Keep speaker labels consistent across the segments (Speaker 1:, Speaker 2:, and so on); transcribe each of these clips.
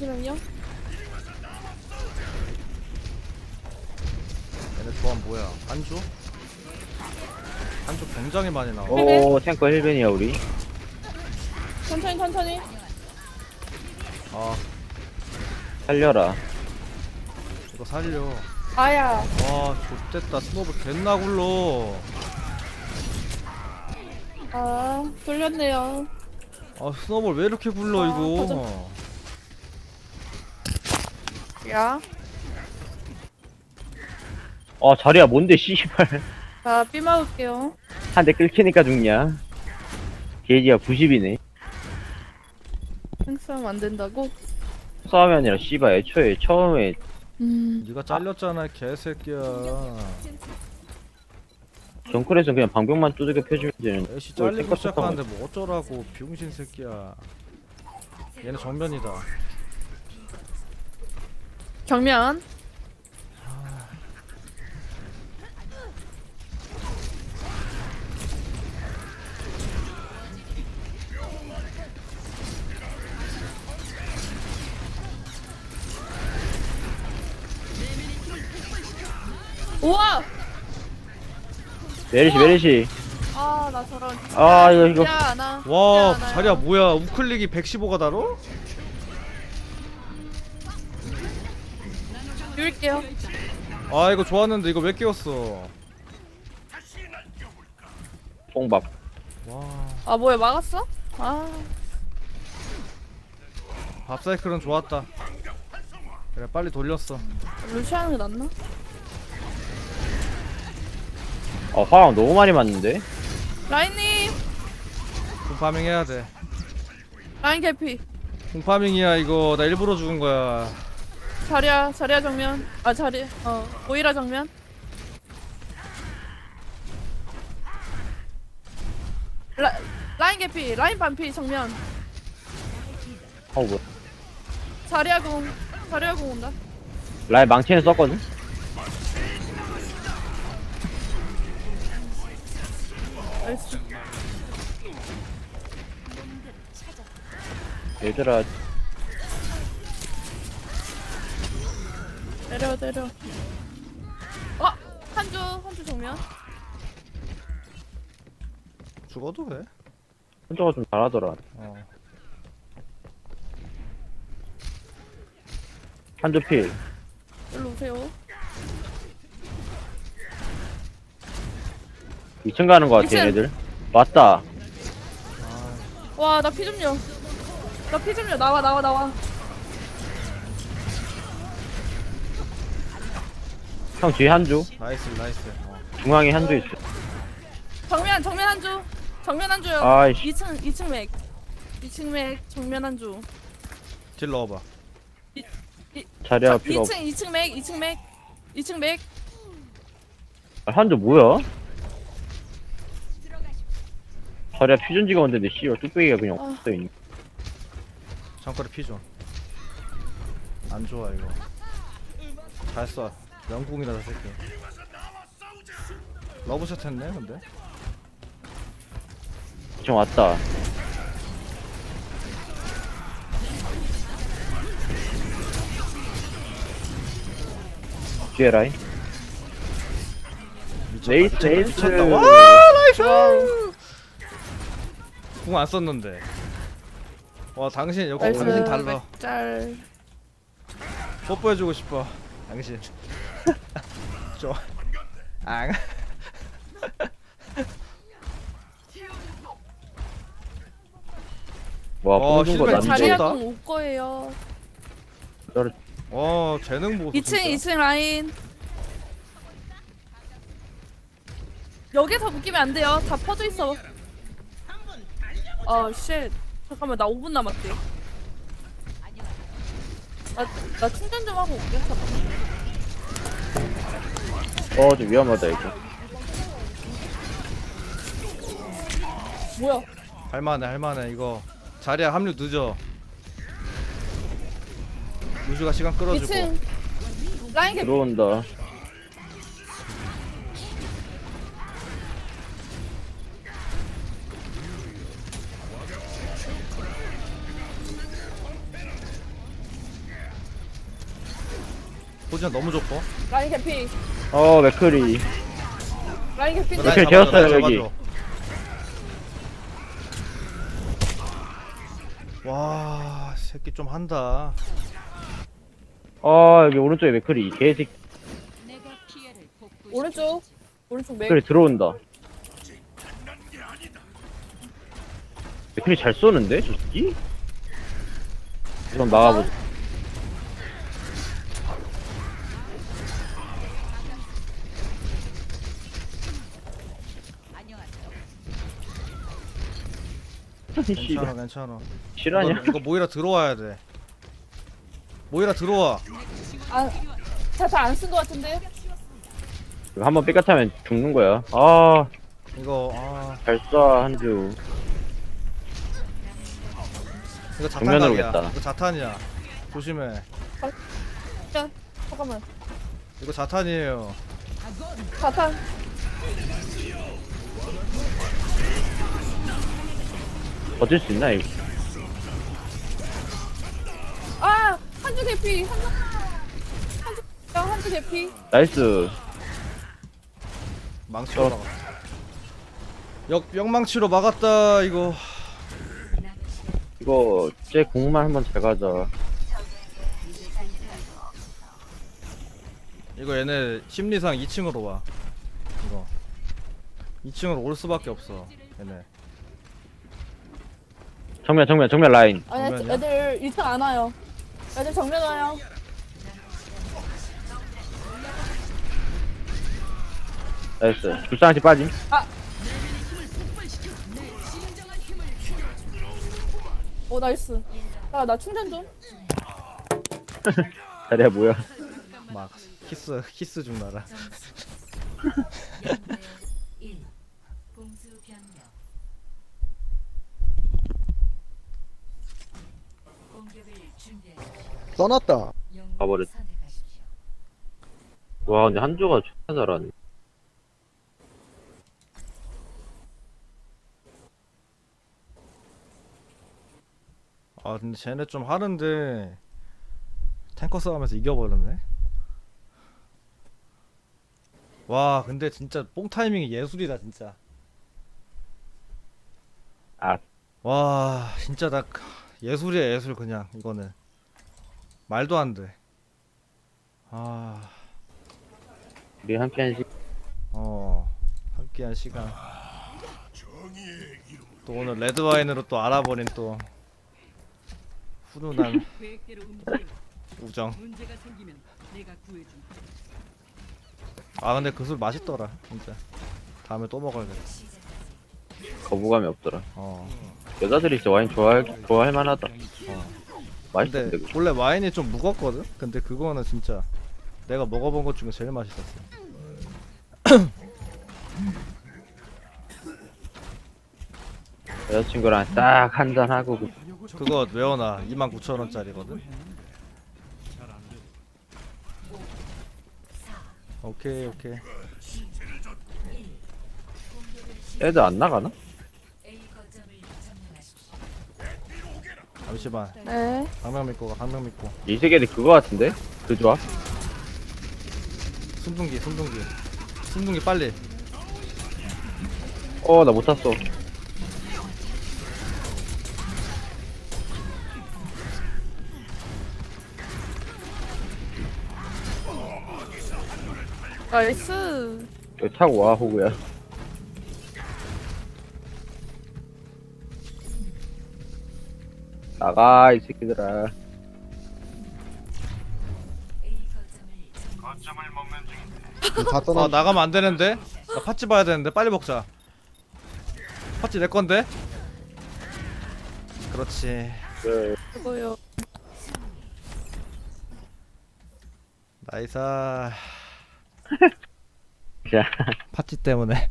Speaker 1: 잠시만요.
Speaker 2: 얘네 조합 뭐야? 한조? 한조 굉장히 많이 나와.
Speaker 3: 오 탱커 힐벤이야 우리.
Speaker 1: 천천히.
Speaker 2: 아
Speaker 3: 살려라.
Speaker 2: 이거 살려.
Speaker 1: 아야.
Speaker 2: 와 좆됐다. 스노블 갯나 굴러.
Speaker 1: 아, 돌렸네요.
Speaker 2: 아 스노블 왜 이렇게 굴러
Speaker 1: 아,
Speaker 2: 이거.
Speaker 1: 야.
Speaker 3: 아 자리야 뭔데 씨발.
Speaker 1: 자, 삐 막을게요.
Speaker 3: 한 대 끌키니까 죽냐. 게이지가 90이네.
Speaker 1: 행싸움 안 된다고?
Speaker 3: 싸움이 아니라 씨발 애초에 처음에
Speaker 2: 네가 잘렸잖아 개새끼야.
Speaker 3: 정클에서 그냥 방벽만 두들겨 펴주면 되는데.
Speaker 2: 애쉬 잘리고 시작하는데 뭐 어쩌라고 비용신 새끼야. 얘네 정면이다.
Speaker 1: 정면. 우와!
Speaker 3: 메리시.
Speaker 1: 아, 나 저런.
Speaker 3: 아, 이거.
Speaker 1: 야, 나.
Speaker 2: 와
Speaker 1: 야, 나.
Speaker 2: 자리야 뭐야 우클릭이 115가 다로?
Speaker 1: 비울게요.
Speaker 2: 아 이거 좋았는데 이거 왜 깨웠어.
Speaker 3: 뽕밥.
Speaker 2: 와
Speaker 1: 아, 뭐야, 막았어? 아.
Speaker 2: 밥사이클은 좋았다. 그래 빨리 돌렸어.
Speaker 1: 루시하는 게 낫나?
Speaker 3: 화랑 너무 많이 맞는데?
Speaker 1: 라인님!
Speaker 2: 쿵파밍 해야 돼.
Speaker 1: 라인 개피.
Speaker 2: 쿵파밍이야 이거. 나 일부러 죽은 거야.
Speaker 1: 자리야 정면. 아, 오이라 정면. 라인 개피, 라인 반피 정면.
Speaker 3: 뭐야.
Speaker 1: 자리야 공 온다.
Speaker 3: 라인 망치는 썼거든?
Speaker 1: 나이스.
Speaker 3: 얘들아,
Speaker 1: 내려. 한주 정면.
Speaker 2: 죽어도 돼.
Speaker 3: 혼자가 좀 잘하더라.
Speaker 2: 어.
Speaker 3: 한조 필.
Speaker 1: 일로 오세요.
Speaker 3: 2층 가는 거 같아,
Speaker 1: 2층.
Speaker 3: 얘네들. 맞다.
Speaker 1: 와, 나 피 좀요. 나와.
Speaker 3: 형 뒤에 한조.
Speaker 2: 나이스.
Speaker 3: 중앙에 한조 있어.
Speaker 1: 정면 한주요.
Speaker 3: 아이씨.
Speaker 1: 2층 맥 정면 한주.
Speaker 2: 딜 넣어봐.
Speaker 3: 자리야 필요 없어.
Speaker 1: 2층 맥.
Speaker 3: 한조 뭐야? 자리야 퓨전지가 왔는데 씨발 뚝배기가 그냥 없어있네.
Speaker 2: 잠깐만 피좀. 안 좋아 이거. 잘 쏴. 영궁이다 저 새끼. 러브샷 했네 근데.
Speaker 3: 지금 왔다. 뒤에 라인. 레이스.
Speaker 2: 미쳤다. 와 나이스. 궁 안 썼는데. 와 당신 역시
Speaker 1: 나이스.
Speaker 2: 당신 달라.
Speaker 1: 짤.
Speaker 2: 뽀뽀해주고 싶어. 당신. 좋아. 앙.
Speaker 3: 와, 보여준 거
Speaker 2: 실패
Speaker 3: 남자.
Speaker 1: 자리야
Speaker 2: 미쳤다.
Speaker 1: 공 올 거예요.
Speaker 2: 재능 보소.
Speaker 1: 2층 라인. 여기서 묶이면 안 돼요. 다 퍼져 있어. 쉣. 잠깐만, 나 5분 남았대. 나 충전 좀 하고 올게. 잠깐만.
Speaker 3: 좀 위험하다, 이거.
Speaker 1: 뭐야?
Speaker 2: 할만해 이거. 자리야 합류 늦어. 유주가 시간 끌어주고.
Speaker 1: 2층 라인 개피.
Speaker 3: 들어온다.
Speaker 2: 포지션 너무 좋고.
Speaker 1: 라인 개피.
Speaker 3: 맥크리.
Speaker 1: 라인 개피.
Speaker 3: 라인 이렇게 재웠어요, 여기.
Speaker 2: 와 새끼 좀 한다.
Speaker 3: 여기 오른쪽에 맥크리. 개새끼.
Speaker 1: 오른쪽. 오른쪽 맥.
Speaker 3: 맥크리 들어온다. 맥크리 잘 쏘는데, 저 새끼? 그럼 나가보자.
Speaker 2: 괜찮아 괜찮아.
Speaker 3: 실화냐?
Speaker 2: 이거 모이라 들어와야 돼. 모이라 들어와.
Speaker 1: 아, 잘안 쓴 것 같은데.
Speaker 3: 이거 한번 삐끗하면 죽는 거야.
Speaker 2: 이거
Speaker 3: 잘 쏴, 한주.
Speaker 2: 이거
Speaker 3: 정면으로
Speaker 2: 자탄각이야.
Speaker 3: 겠다.
Speaker 2: 이거 자탄이야. 조심해.
Speaker 1: 야, 잠깐만.
Speaker 2: 이거 자탄이에요.
Speaker 1: 자탄.
Speaker 3: 버틸 수 있나, 이거?
Speaker 1: 아, 한주 개피. 한주 개피.
Speaker 3: 나이스.
Speaker 2: 망치로 막았다. 역망치로 막았다 이거.
Speaker 3: 이거, 쟤 공만 한번 잘 가자.
Speaker 2: 이거 얘네 심리상 2층으로 와. 이거 2층으로 올 수밖에 없어. 얘네.
Speaker 3: 정면 라인.
Speaker 1: 아니,
Speaker 2: 정면이야?
Speaker 1: 애들 1층 안 와요. 애들 정면 와요.
Speaker 3: 나이스. 불쌍한지 빠짐.
Speaker 1: 오, 나이스. 야, 나 충전 좀.
Speaker 3: 자리야, 뭐야.
Speaker 2: 막 키스 좀 나라.
Speaker 4: 써놨다.
Speaker 3: 가버렸. 와, 근데 한조가 존나 잘하네.
Speaker 2: 아 근데 쟤네 좀 하는데 탱커 싸움에서 이겨버렸네. 와 근데 진짜 뽕 타이밍이 예술이다 진짜.
Speaker 3: 아,
Speaker 2: 와 진짜 나 예술이야 예술. 그냥 이거는 말도 안 돼.
Speaker 3: 우리 함께한 시
Speaker 2: 함께한 시간. 또 오늘 레드와인으로 또 알아버린 또 훈훈한 우정. 근데 그 술 맛있더라 진짜. 다음에 또 먹어야겠다.
Speaker 3: 거부감이 없더라. 여자들이 진짜 와인 좋아할 만하다. 맛있던데,
Speaker 2: 근데 원래 와인이 좀 무겁거든? 근데 그거는 진짜 내가 먹어본 것 중에 제일 맛있었어.
Speaker 3: 여자친구랑 딱 한잔 하고
Speaker 2: 그거 외워놔. 29,000원짜리거든. 오케이.
Speaker 3: 애들 안 나가나?
Speaker 2: 잠시만.
Speaker 1: 네.
Speaker 2: 강명 믿고 가. 강명 믿고.
Speaker 3: 이 세계는 그거 같은데? 그 조합?
Speaker 2: 순둥기 빨리.
Speaker 3: 나 못 탔어.
Speaker 1: 나이스.
Speaker 3: 여기 타고 와, 호구야. 나가, 이 새끼들아.
Speaker 4: 다 떠나.
Speaker 2: 나가면 안 되는데? 나 팥찌 봐야 되는데. 빨리 먹자. 팥찌 내 건데? 그렇지.
Speaker 3: 그,
Speaker 1: 그거요.
Speaker 2: 나이사.
Speaker 3: 자,
Speaker 2: 팥찌 때문에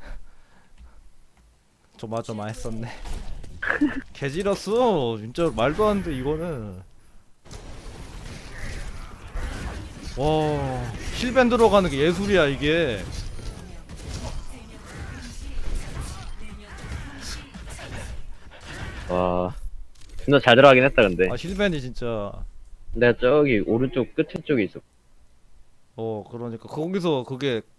Speaker 2: 조마조마했었네. 개지렸어. 진짜 말도 안 돼 이거는. 와 힐밴 들어가는 게 예술이야 이게.
Speaker 3: 와. 존나 잘 들어가긴 했다, 근데.
Speaker 2: 힐밴이 진짜.
Speaker 3: 내가 저기 오른쪽 끝에 쪽에 있어.
Speaker 2: 그러니까 거기서 그게